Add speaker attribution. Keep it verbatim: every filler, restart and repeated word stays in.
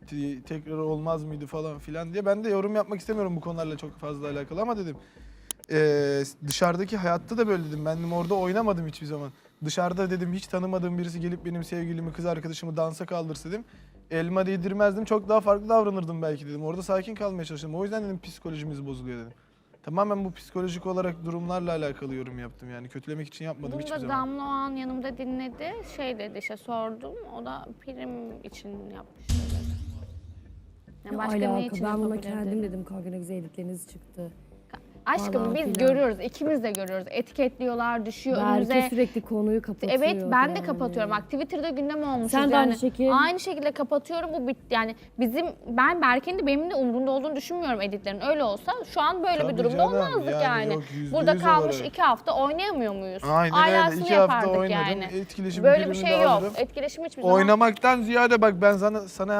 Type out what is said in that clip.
Speaker 1: bitti, tekrar olmaz mıydı falan filan diye. Ben de yorum yapmak istemiyorum bu konularla çok fazla alakalı ama dedim. Ee, dışarıdaki hayatta da böyle dedim. Ben dedim, orada oynamadım hiçbir zaman. Dışarıda dedim hiç tanımadığım birisi gelip benim sevgilimi, kız arkadaşımı dansa kaldırsa dedim. Elma değdirmezdim, çok daha farklı davranırdım belki dedim. Orada sakin kalmaya çalıştım. O yüzden dedim psikolojimiz bozuluyor dedim. Tamamen bu psikolojik olarak durumlarla alakalı yorum yaptım yani. Kötülemek için yapmadım
Speaker 2: Bunu
Speaker 1: hiçbir
Speaker 2: da
Speaker 1: zaman.
Speaker 2: Damla o an yanımda dinledi. Şey dedi işte sordum. O da prim için yapmış dedi. Yani
Speaker 3: Ne
Speaker 2: başka ne
Speaker 3: alaka?
Speaker 2: için
Speaker 3: Ben buna
Speaker 2: yapabilir
Speaker 3: kendim
Speaker 2: dedim.
Speaker 3: dedim kanka ne güzel editleriniz çıktı.
Speaker 2: Aşkım
Speaker 3: falan
Speaker 2: biz
Speaker 3: filan.
Speaker 2: görüyoruz. İkimiz de görüyoruz. Etiketliyorlar, düşüyor
Speaker 3: Berke
Speaker 2: önümüze.
Speaker 3: sürekli konuyu kapatıyor.
Speaker 2: Evet ben de
Speaker 3: yani.
Speaker 2: kapatıyorum. Bak Twitter'da gündem olmuşuz
Speaker 3: Sen de
Speaker 2: yani.
Speaker 3: aynı şekilde.
Speaker 2: Aynı şekilde kapatıyorum. Bu bit yani bizim ben Berke'nin de benim de umurumda olduğunu düşünmüyorum editlerin. Öyle olsa şu an böyle
Speaker 1: Tabii
Speaker 2: bir durumda
Speaker 1: canım,
Speaker 2: olmazdık
Speaker 1: yani
Speaker 2: yani.
Speaker 1: yok, yüzde
Speaker 2: Burada
Speaker 1: yüz
Speaker 2: kalmış
Speaker 1: olarak.
Speaker 2: iki hafta oynayamıyor muyuz?
Speaker 1: Aynen
Speaker 2: Alasını
Speaker 1: öyle. İki hafta
Speaker 2: yapardık
Speaker 1: oynadım.
Speaker 2: yani.
Speaker 1: Etkileşim
Speaker 2: Böyle bir
Speaker 1: primini
Speaker 2: şey
Speaker 1: de
Speaker 2: yok.
Speaker 1: alırım.
Speaker 2: Etkileşim hiçbir zaman.
Speaker 1: Oynamaktan ziyade bak ben sana sana